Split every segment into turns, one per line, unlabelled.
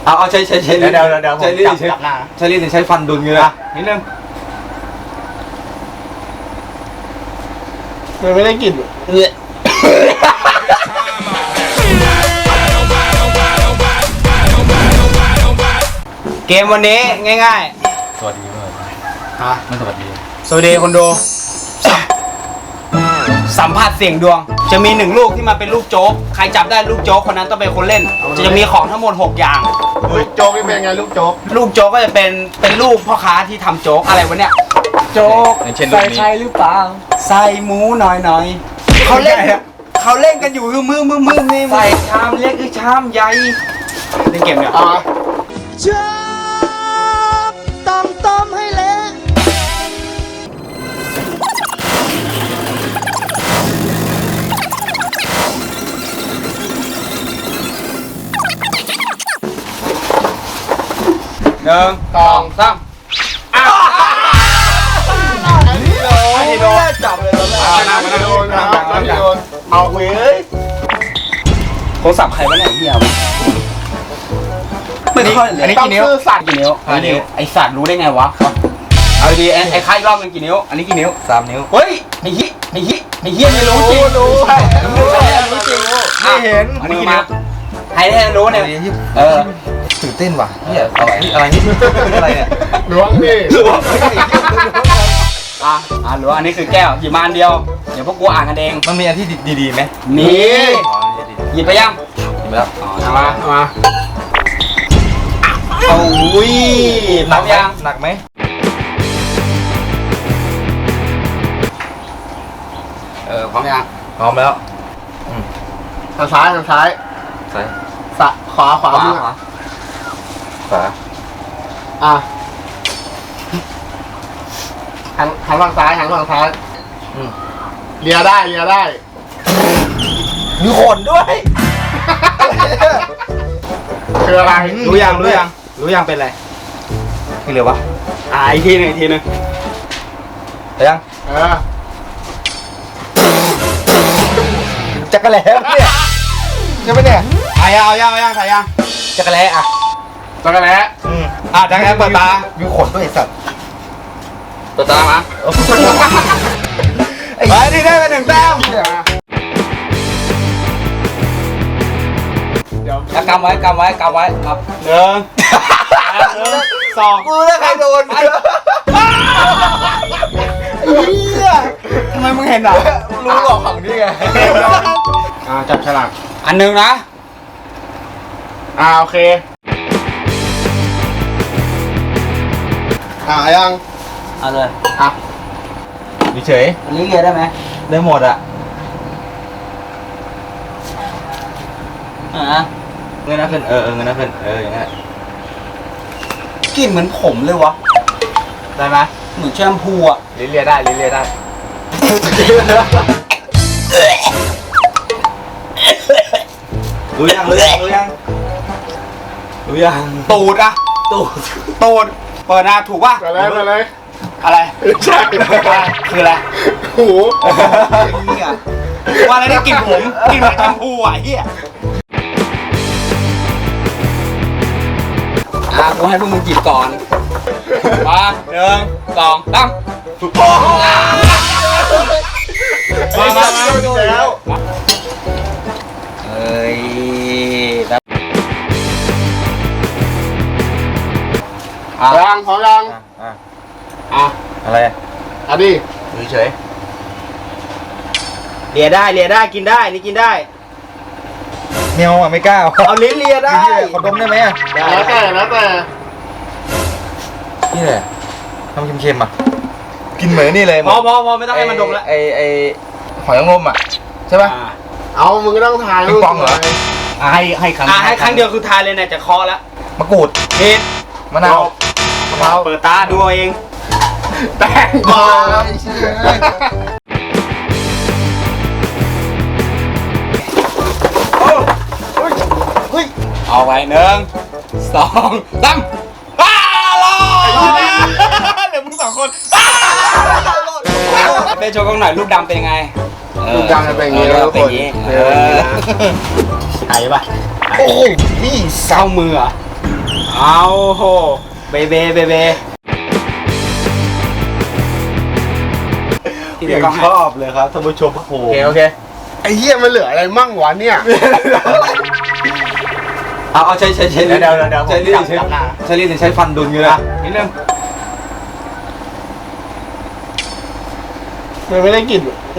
เอาใช้ลิ้น
เดี๋ยว
ใช้ลิ้น
จับหน้า
ใช้ลิ้นหรือใช้ฟันดุนเงี้ย
นิดนึง
มันไม่ได้กลิ่น
เกมวันนี้ง่าย
สวัสดีเลย
ๆฮะ
ไม่สวัสดี
สวัสดีคนดูสัมผัสเสียงดวงจะมี1ลูกที่มาเป็นลูกโจ๊กใครจับได้ลูกโจ๊กคนนั้นต้องเป็นคนเล่นจะมีของทั้งหมด6อย่าง
ลูกโจ๊กนี่เป็นไงลูกโจ๊ก
ลูกโจ๊กก็จะเป็นลูกพ่อค้าที่ทำโจ๊กอะไรวะเนี่ยโจ๊ก
อย่างเช่นรูปนี้
ใส่หรือเปล่าใส่หมูหน่อยเขาเล่นกันอยู่คือมือนี่ใส่ชามเล็กหรือชามใหญ่เล่นเกมเนี่ย
ต้องต้มให้เละ
1 2 3อันนี้โดนจับเลยตอนแรก
มาโดนเอาเว้ย
โทรศัพท์ใครวะเนี่ยเฮียไม่ค่อยเลย
อันนี้กี่นิ้ว
สัตว์
กี่นิ้ว
5 นิ้ว
ไอสัตว์รู้ได้ไงวะเอาดีไอ้ค่ายรอบมันกี่นิ้ว
อันนี้กี่นิ้ว3 นิ้ว
เฮ้ยไอ้เฮียไม่รู้จริงรู้จริง
ไม่เห็น
อันนี้กี่นิ้วให้ได้รู้เนี่ย
ตื่นเต้นว่ะเฮียอะไรนี่อะไรเนี่ย
ล้วงนี่
รู้ว่าอันนี้คือแก้วหยิบมาอันเดียวเดี๋ยวพวกกูอ่านกันเอง
มันมีอันที่ดีไหม
นี่
อ๋อดี
หยิบไปยัง
ดีแล้ว
เอามาเอาอุ้ยพร้อมยัง
หนักไหม
พร้อมยัง
พร้อมแล้ว
ทางซ้าย
ซ้าย
ขวามือ
ขวา
หันฝั่งซ้ายเลียได้
มีขนด้วย
คืออะไร
รู้ยังเป็นอะไร
ไม่เหลือวะ
อีกทีหนึง
ยัง จักรแหล่เนี่ยใช่ไหมเนี่ย
เอายังถ่ายยัง
จักรแหล่อ่ะ
จักรแล้
จังแล้เปิดตา
มีขนด้วยไอ้สัตว์
เปิดตามาไปที่ได้ไป1 แต้มแล้วกำไว้ครับ1 2
กูแล้วใครโดน
ทำไมมึงเห็นอ่ะ
รู้หรอกของนี่ไง
จับฉลาก
อันหนึ่งนะ
โอเคยัง
เอาเลย
เฉย
อันนี้เกียร์ได้ไหม
ได้หมดอ่ะ เงินน่าขึ้นเงินน่าขึ้นอย่างเงี้ย
กลิ่นเหมือนผมเลยวะ
ได้ไหม
เหมือนแชมพูอ่ะ
ลิ้นเลียได้รู้ยัง
ตูดอ่ะตูดเปิดหน้าถูกป่ะ
ไปเลย
อะไร
ใช่
คืออะไร
หู
เฮียว่าแล้วได้กลิ่นผมกลิ่นเหมือนแชมพูอ่ะเฮียกูให้พวกมึงจิบก่อนมา1 2 3มา
แล้ว
เอ้ย
ยังพร้อมยัง
อะไร
ดิ
เฉย
เลียได้กินได้นี่กินได้
เมียวอ่ะไม่กล้า
เอาลิ้นเลียได้
ขอดมได้ไหมอ่ะ
แล้วแต่
นี่แหละทำเค็มๆอ่ะกินเหมือนนี่เลย
พอไม่ต้องให้มันดมแล้ว
ไอหอยนางรมอ่ะใช่ป่ะ
เอามึงก็ต้องทาย
ปิงปองเหรอ
ให้ครั้งเดียวคือทายเลยเนี่ยจะเคาะแล้ว
มะกรูด
เห็ด
มะนาว
เปิดตาดูเอาเอง
แป้งบอล
เอาไว้1 2 3รอดเหลือมึง2 คนเป็นโชว์กล้องหน่อยรูปดำเป็นยังไง
ลูกดำจะเป็นอย่างนี้
เป็นอย่างนี้ถ่ายป่ะ
โอ้โหนี่
เศร้ามืออ่ะเอาโหเบเบที่เดี๋ยวชอบเลยครับท่านผู้ชมโอ้โอเค
ไอ้เหี้ยมันเหลืออะไรมั่งวะเนี่ย
เอาใช้
เดี๋ยว
ใช้ลิ้นใช้ลิ้นหรือใช้ฟันดุนอยู่นะนิดนึง
มันไม่ได้กลิ่น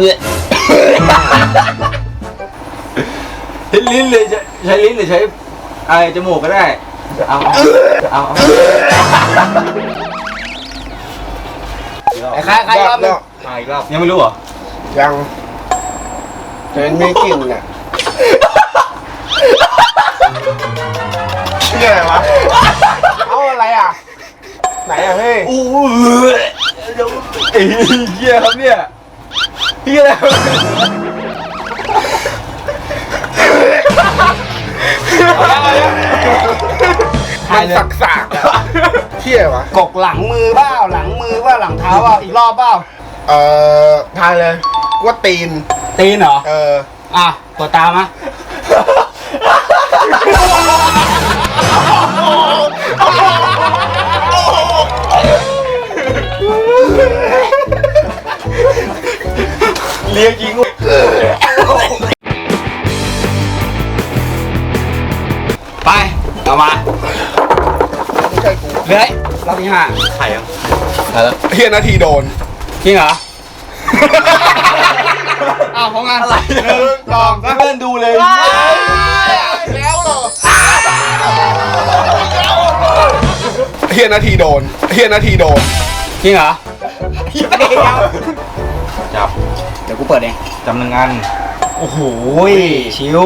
ใช้ลิ้นเลยใช้ลิ้นหรือใช้อะไรจมูกก็ได้เอา
ไอ้ใครรอบนึง
อีกรอบยังไม่รู้เหรอ
ยังแต่มันไม่กลิ่นน่ะนี่อะไรวะเอาอะไรอ่ะไหนอ่ะเฮ้ย
อู้ไอ้เหี้ยครับเนี่ยเหี้ยอะไร
มันสักๆอ่ะเที่ยวะ
กกหลังมือเปล่าหลังเท้าเปล่าอีกรอบเปล่า
ทายเลยว่าตีน
ตีนเหรออ่ะกดตามะ
เลี้ยงยิง
ไปเอามา
ไม่ใช่กู
เลยรอบที่5
ไข่ยังไข่แล้ว
เฮียนาทีโดน
จริงเหรออ้าวของงานอะไร
1 2
เพื่อนดูเลย
แล้วเหรอเฮียนาทีโดน
จริงเหรอ
จับ
เดี๋ยวกูเปิดเอง
จำหนึ่งอัน
โอ้โหชิว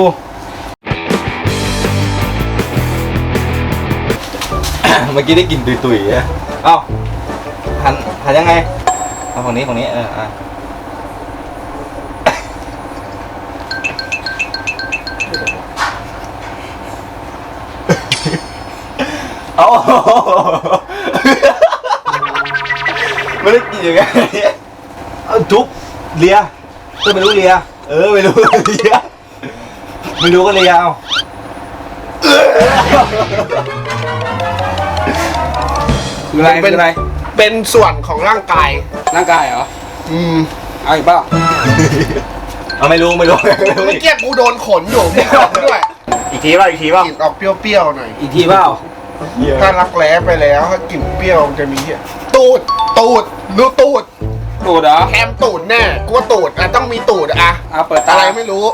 เมื่อกี้ได้กลิ่นตุยๆอ่ะเอ้าหันยังไงเอาฝั่งนี้เอาไม่ได้กินอย่างไงเอาทุบเลียก็ไม่รู้เลียไม่รู้เลียไม่รู้ก็เลียเอา
คืออะไร
เป็นส่วนของร่างกาย
ร่างกายเหรอ เอาอีกเปล่า
เอาไม่รู้
เมื่อกี้กูโดนขนอยู่มีขนด้วย
อีกทีเปล่าก
ลิ่นออกเปรี้ยวๆหน่อย
อีกทีเปล่า
ถ้ารักแร้ไปแล้วถ้ากลิ่นเปรี้ยวมันจะมีเหี้ยตูดดูตูด
ตูดเหรอ
แคมตูดแน่กูว่าตูดอ่ะต้องมีตูดอ่ะ
เอาเปิดตา
อะไรไม่รู้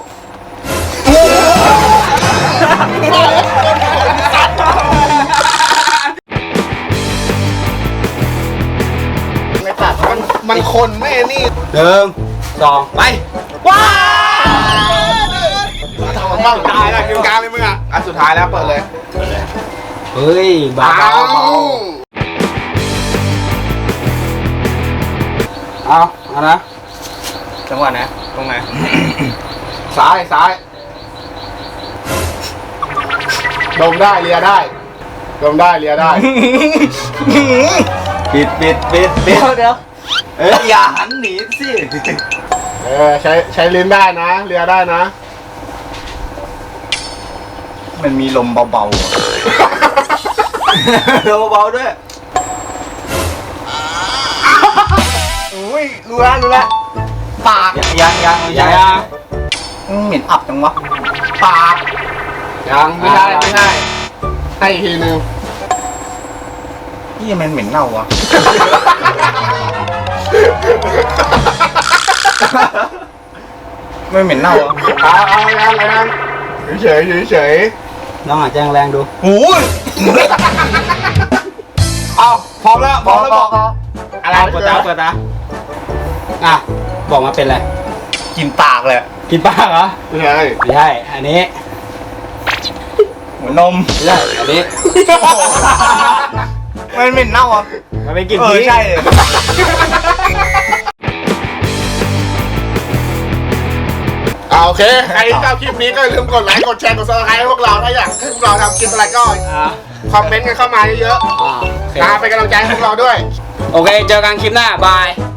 ไม่ตัดมันคนไม่นี่
1 2 ไป ว้า
บ้างตายแล้วคิวกลางเลยมึงอ่ะอันสุดท้ายแล้วเปิดเลย
เฮ้ยเบาเอานะจังหวะนะตรงไหน
ซ้ายดมได้เลียได้ดมได้เลียได้
ปิดเดี๋ยวอย่าหันหนีสิ
ใช้ลิ้นได้นะเลียได้นะ
มันมีลมเบาๆลมเบาๆด้วยอุ้ยรู้แล้วปากยัง
เหม็นอับจังวะ
ปากยังไม่ใช่ให้อีกทีนึง
นี่มันเหม็นเน่าวะไม่เหม็นเน่าอ่ะ
เอายังเฉย
น้องอาจจะแรงดู
โอ้ยเอาพร้อมแล้วบอก
อะไรเปิดตาอ่ะบอกมาเป็นอะไร
กินปากเลย
กินปากเหรอ
ไม่ใช่
ไม่ใช่อันนี้
เหมือนนม
ไม่ใช่อันนี้
มันเหม็นเน่าอ่ะ
มันเป็นกลิ่น
ใช่เลย
โอเคใครที่ชอบคลิปนี้ก็อย่าลืมกดไลค์กดแชร์กดซับสไครต์ให้พวกเราถ้าอยากให้พวกเราทำคลิปอะไรก็คอมเมนต์กันเข้ามาเยอะๆนะเป็นกำลังใจให้พวกเราด้วย
โอเคเจอกันคลิปหน้าบาย